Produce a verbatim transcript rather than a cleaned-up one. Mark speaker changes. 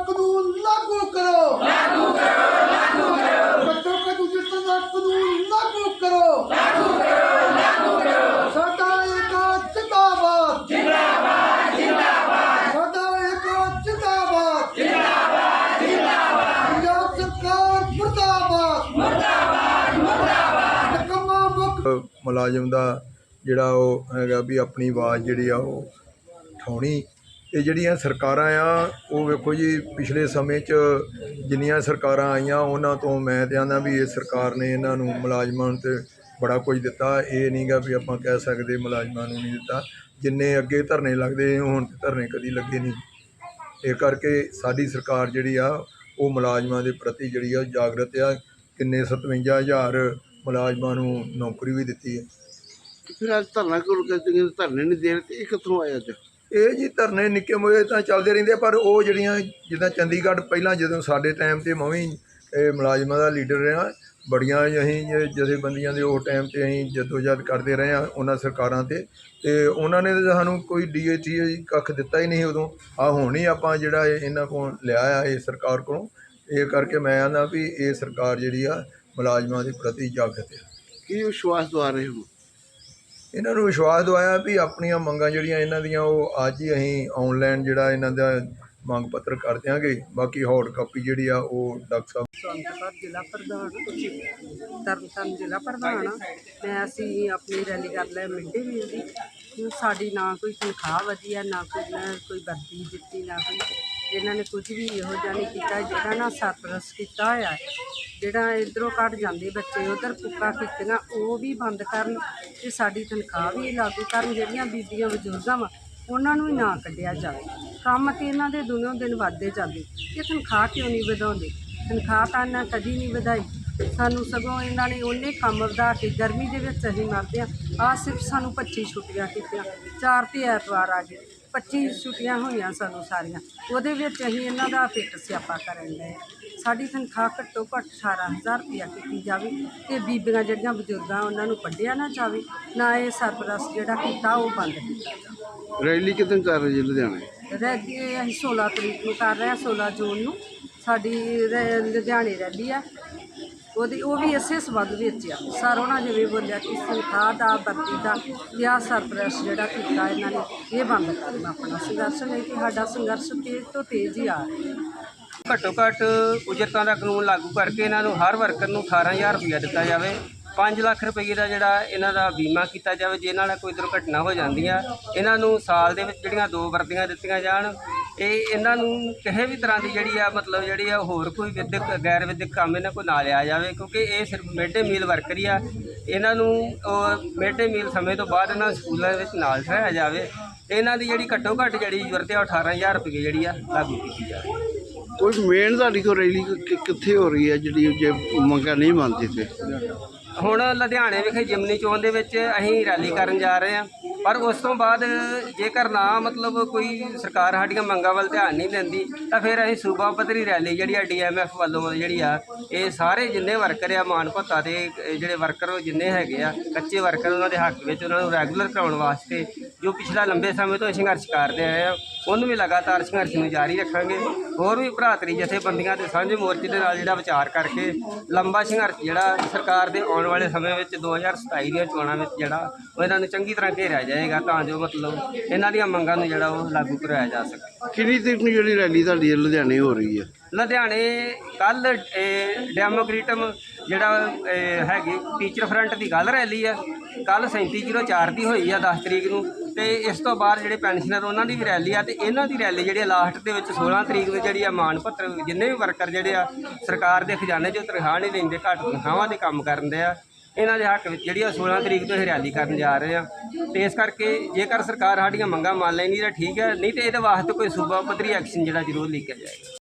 Speaker 1: कानून लागू करो, लागू करो, लागू करो। बच्चों का दूसरे का कानून लागू करो, लागू करो, लागू करो। साडा एक जिंदाबाद, जिंदाबाद, जिंदाबाद। साडा एक जिंदाबाद, जिंदाबाद, जिंदाबाद। पंजाब सरकार मुर्दाबाद, मुर्दाबाद, मुर्दाबाद। निकम्मा मुख
Speaker 2: मुलाजिम दा जिहड़ा ओह हैगा भी अपनी आवाज़ जिहड़ी आ ओह उठाउणी। ਇਹ ਜਿਹੜੀਆਂ ਸਰਕਾਰਾਂ ਆ ਉਹ ਵੇਖੋ ਜੀ ਪਿਛਲੇ ਸਮੇਂ 'ਚ ਜਿੰਨੀਆਂ ਸਰਕਾਰਾਂ ਆਈਆਂ ਉਹਨਾਂ ਤੋਂ ਮੈਂ ਤਾਂ ਆਂਦਾ ਵੀ ਇਹ ਸਰਕਾਰ ਨੇ ਇਹਨਾਂ ਨੂੰ ਮੁਲਾਜ਼ਮਾਂ ਨੂੰ ਤਾਂ ਬੜਾ ਕੁਝ ਦਿੱਤਾ। ਇਹ ਨਹੀਂ ਗਾ ਵੀ ਆਪਾਂ ਕਹਿ ਸਕਦੇ ਮੁਲਾਜ਼ਮਾਂ ਨੂੰ ਨਹੀਂ ਦਿੱਤਾ। ਜਿੰਨੇ ਅੱਗੇ ਧਰਨੇ ਲੱਗਦੇ ਹੁਣ ਤਾਂ ਧਰਨੇ ਕਦੀ ਲੱਗੇ ਨਹੀਂ। ਇਹ ਕਰਕੇ ਸਾਡੀ ਸਰਕਾਰ ਜਿਹੜੀ ਆ ਉਹ ਮੁਲਾਜ਼ਮਾਂ ਦੇ ਪ੍ਰਤੀ ਜਿਹੜੀ ਆ ਜਾਗਰਤ ਆ। ਕਿੰਨੇ ਸਤਵੰਜਾ ਹਜ਼ਾਰ ਮੁਲਾਜ਼ਮਾਂ ਨੂੰ ਨੌਕਰੀ ਵੀ ਦਿੱਤੀ ਹੈ।
Speaker 3: ਫਿਰ ਅੱਜ ਧਰਨਾ ਕਿਉਂ ਧਰਨੇ ਨਹੀਂ ਦੇ ਰਹੇ ਤੇ ਇਹ ਕਿੱਥੋਂ ਆਇਆ ਅੱਜ?
Speaker 2: ਇਹ ਜੀ ਧਰਨੇ ਨਿੱਕੇ ਮੋਏ ਤਾਂ ਚੱਲਦੇ ਰਹਿੰਦੇ ਆ, ਪਰ ਉਹ ਜਿਹੜੀਆਂ ਜਿੱਦਾਂ ਚੰਡੀਗੜ੍ਹ ਪਹਿਲਾਂ ਜਦੋਂ ਸਾਡੇ ਟਾਈਮ 'ਤੇ ਮੈਂ ਵੀ ਇਹ ਮੁਲਾਜ਼ਮਾਂ ਦਾ ਲੀਡਰ ਰਿਹਾ, ਬੜੀਆਂ ਅਸੀਂ ਜਥੇਬੰਦੀਆਂ ਦੇ ਉਹ ਟਾਈਮ 'ਤੇ ਅਸੀਂ ਜਦੋਜਹਿਦ ਕਰਦੇ ਰਹੇ ਹਾਂ ਉਹਨਾਂ ਸਰਕਾਰਾਂ 'ਤੇ ਅਤੇ ਉਹਨਾਂ ਨੇ ਤਾਂ ਸਾਨੂੰ ਕੋਈ ਡੀ ਏ ਟੀ ਕੱਖ ਦਿੱਤਾ ਹੀ ਨਹੀਂ ਉਦੋਂ। ਆਹ ਹੁਣ ਹੀ ਆਪਾਂ ਜਿਹੜਾ ਇਹਨਾਂ ਕੋਲ ਲਿਆ ਆ ਇਹ ਸਰਕਾਰ ਕੋਲੋਂ। ਇਹ ਕਰਕੇ ਮੈਂ ਆਂਦਾ ਵੀ ਇਹ ਸਰਕਾਰ ਜਿਹੜੀ ਆ ਮੁਲਾਜ਼ਮਾਂ ਦੇ ਪ੍ਰਤੀ ਜਾਗਰਤ ਹੈ।
Speaker 3: ਕੀ ਵਿਸ਼ਵਾਸ ਦਵਾ ਰਹੇ ਹੋ?
Speaker 2: ਇਹਨਾਂ ਨੂੰ ਵਿਸ਼ਵਾਸ ਦਵਾਇਆ ਵੀ ਆਪਣੀਆਂ ਮੰਗਾਂ ਜਿਹੜੀਆਂ ਇਹਨਾਂ ਦੀਆਂ ਉਹ ਅੱਜ ਹੀ ਅਸੀਂ ਆਨਲਾਈਨ ਜਿਹੜਾ ਇਹਨਾਂ ਦਾ ਮੰਗ ਪੱਤਰ ਕਰ ਦਿਆਂਗੇ। ਬਾਕੀ ਹਾਰਡ ਕਾਪੀ ਜਿਹੜੀ ਆ ਉਹ ਡਾਕਟਰ ਸਾਹਿਬ
Speaker 4: ਸੰਤਪੁਰ ਜ਼ਿਲ੍ਹਾ ਪ੍ਰਧਾਨ ਤਰਨਤਾਰਨ ਜ਼ਿਲ੍ਹਾ ਪ੍ਰਧਾਨ ਆ ਮੈਂ ਅਸੀਂ ਆਪਣੀ ਰੈਲੀ ਕਰ ਲਿਆ ਮਿਡ ਡੇ ਮੀਲ ਦੀ। ਸਾਡੀ ਨਾ ਕੋਈ ਤਨਖਾਹ ਵਧੀ ਆ, ਨਾ ਕੋਈ ਨਾ ਕੋਈ ਵਰਦੀ ਦਿੱਤੀ, ਨਾ ਕੋਈ ਇਹਨਾਂ ਨੇ ਕੁਝ ਵੀ ਇਹੋ ਜਿਹਾ ਨਹੀਂ ਕੀਤਾ। ਜਿਹੜਾ ਨਾ ਸਰਪਲਸ ਕੀਤਾ ਹੋਇਆ ਜਿਹੜਾ ਇੱਧਰੋਂ ਕੱਢ ਜਾਂਦੇ ਬੱਚੇ ਉੱਧਰ ਪੁੱਕਾ ਕੀਤੀਆਂ ਉਹ ਵੀ ਬੰਦ ਕਰਨ ਅਤੇ ਸਾਡੀ ਤਨਖਾਹ ਵੀ ਲਾਗੂ ਕਰਨ। ਜਿਹੜੀਆਂ ਬੀਬੀਆਂ ਬਜ਼ੁਰਗਾਂ ਵਾ ਉਹਨਾਂ ਨੂੰ ਹੀ ਨਾ ਕੱਢਿਆ ਜਾਵੇ। ਕੰਮ ਤਾਂ ਇਹਨਾਂ ਦੇ ਦਿਨੋਂ ਦਿਨ ਵੱਧਦੇ ਜਾਂਦੇ, ਇਹ ਤਨਖਾਹ ਕਿਉਂ ਨਹੀਂ ਵਧਾਉਂਦੇ? ਤਨਖਾਹ ਤਾਂ ਇਹਨਾਂ ਕਦੀ ਨਹੀਂ ਵਧਾਈ। ਸਾਨੂੰ ਸਗੋਂ ਇਹਨਾਂ ਨੇ ਉਹਨੇ ਕੰਮ ਵਧਾ ਕੇ ਗਰਮੀ ਦੇ ਵਿੱਚ ਅਸੀਂ ਮਰਦੇ ਹਾਂ। ਆਹ ਸਿਰਫ ਸਾਨੂੰ ਪੱਚੀ ਛੁੱਟੀਆਂ ਕੀਤੀਆਂ, ਚਾਰ ਤੇ ਐਤਵਾਰ ਆ ਗਏ, ਪੱਚੀ ਛੁੱਟੀਆਂ ਹੋਈਆਂ ਸਾਨੂੰ ਸਾਰੀਆਂ। ਉਹਦੇ ਵਿੱਚ ਅਸੀਂ ਇਹਨਾਂ ਦਾ ਫਿੱਟ ਸਿਆਪਾ ਕਰਨ ਲਏ। ਸਾਡੀ ਤਨਖਾਹ ਘੱਟੋ ਘੱਟ ਅਠਾਰਾਂ ਹਜ਼ਾਰ ਰੁਪਇਆ ਕੀਤੀ ਜਾਵੇ ਅਤੇ ਬੀਬੀਆਂ ਜਿਹੜੀਆਂ ਬਜ਼ੁਰਗਾਂ ਉਹਨਾਂ ਨੂੰ ਕੱਢਿਆ ਨਾ ਜਾਵੇ, ਨਾ ਇਹ ਸਰਪਲਸ ਜਿਹੜਾ ਕੀਤਾ ਉਹ ਬੰਦ ਕੀਤਾ ਜਾਵੇ।
Speaker 3: ਰੈਲੀ ਕਿੱਦਾਂ ਕਰ ਰਹੇ ਜੀ ਲੁਧਿਆਣੇ?
Speaker 4: ਰੈਲੀ ਅਸੀਂ ਸੋਲਾਂ ਤਰੀਕ ਨੂੰ ਕਰ ਰਹੇ ਹਾਂ, ਸੋਲਾਂ ਜੂਨ ਨੂੰ ਸਾਡੀ ਰੈ ਲੁਧਿਆਣੇ ਰੈਲੀ ਆ। ਉਹਦੀ ਉਹ ਵੀ ਇਸੇ ਸੰਬੰਧ ਵਿੱਚ ਆ। ਸਰ ਉਹਨਾਂ ਜਿਵੇਂ ਬੋਲਿਆ ਕਿ ਤਨਖਾਹ ਦਾ ਵਰਦੀ ਦਾ ਜਾਂ ਸਰਪਲਸ ਜਿਹੜਾ ਕੀਤਾ ਇਹਨਾਂ ਨੇ ਇਹ ਬੰਦ ਕਰਨਾ ਆਪਣਾ ਸੰਘਰਸ਼। ਨਹੀਂ ਕਿ ਸਾਡਾ ਸੰਘਰਸ਼ ਤੇਜ਼ ਤੋਂ ਤੇਜ਼ ਹੀ ਆ ਰਿਹਾ।
Speaker 5: ਘੱਟੋ ਘੱਟ ਉਜਰਤਾਂ ਦਾ ਕਾਨੂੰਨ ਲਾਗੂ ਕਰਕੇ ਇਹਨਾਂ ਨੂੰ ਹਰ ਵਰਕਰ ਨੂੰ ਅਠਾਰਾਂ ਹਜ਼ਾਰ ਰੁਪਈਆ ਦਿੱਤਾ ਜਾਵੇ। ਪੰਜ ਲੱਖ ਰੁਪਏ ਦਾ ਜਿਹੜਾ ਇਹਨਾਂ ਦਾ ਬੀਮਾ ਕੀਤਾ ਜਾਵੇ। ਜੇ ਇਹਨਾਂ ਨਾਲ ਕੋਈ ਦੁਰਘਟਨਾ ਹੋ ਜਾਂਦੀ ਆ ਇਹਨਾਂ ਨੂੰ ਸਾਲ ਦੇ ਵਿੱਚ ਜਿਹੜੀਆਂ ਦੋ ਵਰਦੀਆਂ ਦਿੱਤੀਆਂ ਜਾਣ। ਇਹ ਇਹਨਾਂ ਨੂੰ ਕਿਸੇ ਵੀ ਤਰ੍ਹਾਂ ਦੀ ਜਿਹੜੀ ਆ ਮਤਲਬ ਜਿਹੜੀ ਆ ਹੋਰ ਕੋਈ ਵਿਦਿਅਕ ਗੈਰ ਵਿਦਿਅਕ ਕੰਮ ਇਹਨਾਂ ਕੋਲ ਨਾ ਲਿਆ ਜਾਵੇ, ਕਿਉਂਕਿ ਇਹ ਸਿਰਫ ਮਿਡ ਡੇ ਮੀਲ ਵਰਕਰ ਹੀ ਆ। ਇਹਨਾਂ ਨੂੰ ਮਿਡ ਡੇ ਮੀਲ ਸਮੇਂ ਤੋਂ ਬਾਅਦ ਇਹਨਾਂ ਸਕੂਲਾਂ ਦੇ ਵਿੱਚ ਨਾਲ ਠਹਿਰਾਇਆ ਜਾਵੇ। ਇਹਨਾਂ ਦੀ ਜਿਹੜੀ ਘੱਟੋ ਘੱਟ ਜਿਹੜੀ ਜ਼ਰੂਰਤ ਆ ਅਠਾਰਾਂ ਹਜ਼ਾਰ ਰੁਪਏ ਜਿਹੜੀ ਆ ਲਾਗੂ ਕੀਤੀ ਜਾਵੇ।
Speaker 3: ਕੋਈ ਮੇਨ ਤੁਹਾਡੀ ਕੋਲ ਰੈਲੀ ਕਿੱਥੇ ਹੋ ਰਹੀ ਹੈ ਜਿਹੜੀ ਜੇ ਮੰਗਾਂ ਨਹੀਂ ਮੰਨਦੇ ਤੇ?
Speaker 5: ਹੁਣ ਲੁਧਿਆਣੇ ਵਿਖੇ ਜਿਮਨੀ ਚੌਂਕ ਦੇ ਵਿੱਚ ਅਸੀਂ ਰੈਲੀ ਕਰਨ ਜਾ ਰਹੇ ਹਾਂ, ਪਰ ਉਸ ਤੋਂ ਬਾਅਦ ਜੇਕਰ ਨਾ ਮਤਲਬ ਕੋਈ ਸਰਕਾਰ ਸਾਡੀਆਂ ਮੰਗਾਂ ਵੱਲ ਧਿਆਨ ਨਹੀਂ ਦਿੰਦੀ ਤਾਂ ਫਿਰ ਅਸੀਂ ਸੂਬਾ ਪੱਧਰੀ ਰੈਲੀ ਜਿਹੜੀ ਆ ਡੀ ਐਮ ਐਫ ਵੱਲੋਂ ਜਿਹੜੀ ਆ ਇਹ ਸਾਰੇ ਜਿੰਨੇ ਵਰਕਰ ਆ ਮਾਨ ਭੱਤਾ ਦੇ ਜਿਹੜੇ ਵਰਕਰ ਜਿੰਨੇ ਹੈਗੇ ਆ ਕੱਚੇ ਵਰਕਰ ਉਹਨਾਂ ਦੇ ਹੱਕ ਵਿੱਚ ਉਹਨਾਂ ਨੂੰ ਰੈਗੂਲਰ ਕਰਾਉਣ ਵਾਸਤੇ ਜੋ ਪਿਛਲਾ ਲੰਬੇ ਸਮੇਂ ਤੋਂ ਸੰਘਰਸ਼ ਕਰਦੇ ਆਏ ਆ ਉਹਨੂੰ ਵੀ ਲਗਾਤਾਰ ਸੰਘਰਸ਼ ਨੂੰ ਜਾਰੀ ਰੱਖਾਂਗੇ। ਹੋਰ ਵੀ ਭਰਾਤਰੀ ਜਥੇਬੰਦੀਆਂ ਦੇ ਸਾਂਝੇ ਮੋਰਚੇ ਦੇ ਨਾਲ ਜਿਹੜਾ ਵਿਚਾਰ ਕਰਕੇ ਲੰਬਾ ਸੰਘਰਸ਼ ਜਿਹੜਾ ਸਰਕਾਰ ਦੇ ਆਉਣ ਵਾਲੇ ਸਮੇਂ ਵਿੱਚ ਦੋ ਹਜ਼ਾਰ ਸਤਾਈ ਦੀਆਂ ਚੋਣਾਂ ਵਿੱਚ ਜਿਹੜਾ ਉਹ ਇਹਨਾਂ ਨੂੰ ਚੰਗੀ ਤਰ੍ਹਾਂ ਘੇਰਿਆ ਜਾਏਗਾ ਤਾਂ ਜੋ ਮਤਲਬ ਇਹਨਾਂ ਦੀਆਂ ਮੰਗਾਂ ਨੂੰ ਜਿਹੜਾ ਉਹ ਲਾਗੂ ਕਰਾਇਆ ਜਾ ਸਕੇ।
Speaker 3: ਕਿੰਨੀ ਤਰੀਕ ਨੂੰ ਜਿਹੜੀ ਰੈਲੀ ਤੁਹਾਡੀ ਲੁਧਿਆਣੇ ਹੋ ਰਹੀ ਹੈ?
Speaker 5: ਲੁਧਿਆਣੇ ਕੱਲ੍ਹ ਡੈਮੋਕ੍ਰੇਟਮ ਜਿਹੜਾ ਹੈਗੀ ਟੀਚਰ ਫਰੰਟ ਦੀ ਕੱਲ੍ਹ ਰੈਲੀ ਆ, ਕੱਲ੍ਹ ਸੈਂਤੀ ਜ਼ੀਰੋ ਚਾਰ ਦੀ ਹੋਈ ਆ ਦਸ ਤਰੀਕ ਨੂੰ, ਅਤੇ ਇਸ ਤੋਂ ਬਾਅਦ ਜਿਹੜੇ ਪੈਨਸ਼ਨਰ ਉਹਨਾਂ ਦੀ ਵੀ ਰੈਲੀ ਆ। ਅਤੇ ਇਹਨਾਂ ਦੀ ਰੈਲੀ ਜਿਹੜੀ ਲਾਸਟ ਦੇ ਵਿੱਚ ਸੋਲਾਂ ਤਰੀਕ ਨੂੰ ਜਿਹੜੀ ਆ ਮਾਣ ਪੱਤਰ ਜਿੰਨੇ ਵੀ ਵਰਕਰ ਜਿਹੜੇ ਆ ਸਰਕਾਰ ਦੇ ਖਜ਼ਾਨੇ 'ਚੋਂ ਤਨਖਾਹ ਨਹੀਂ ਲੈਂਦੇ, ਘੱਟ ਤਨਖਾਹਾਂ ਦੇ ਕੰਮ ਕਰਨ ਦੇ ਆ, ਇਹਨਾਂ ਦੇ ਹੱਕ ਵਿੱਚ ਜਿਹੜੀ ਆ ਸੋਲਾਂ ਤਰੀਕ ਤੋਂ ਇਹ ਰੈਲੀ ਕਰਨ ਜਾ ਰਹੇ ਆ। ਅਤੇ ਇਸ ਕਰਕੇ ਜੇਕਰ ਸਰਕਾਰ ਸਾਡੀਆਂ ਮੰਗਾਂ ਮੰਨ ਲੈਂਦੀ ਤਾਂ ਠੀਕ ਹੈ, ਨਹੀਂ ਤਾਂ ਇਹਦੇ ਵਾਸਤੇ ਕੋਈ ਸੂਬਾ ਪੱਧਰੀ ਐਕਸ਼ਨ ਜਿਹੜਾ ਜ਼ਰੂਰ ਲਿਖਿਆ ਜਾਏਗਾ।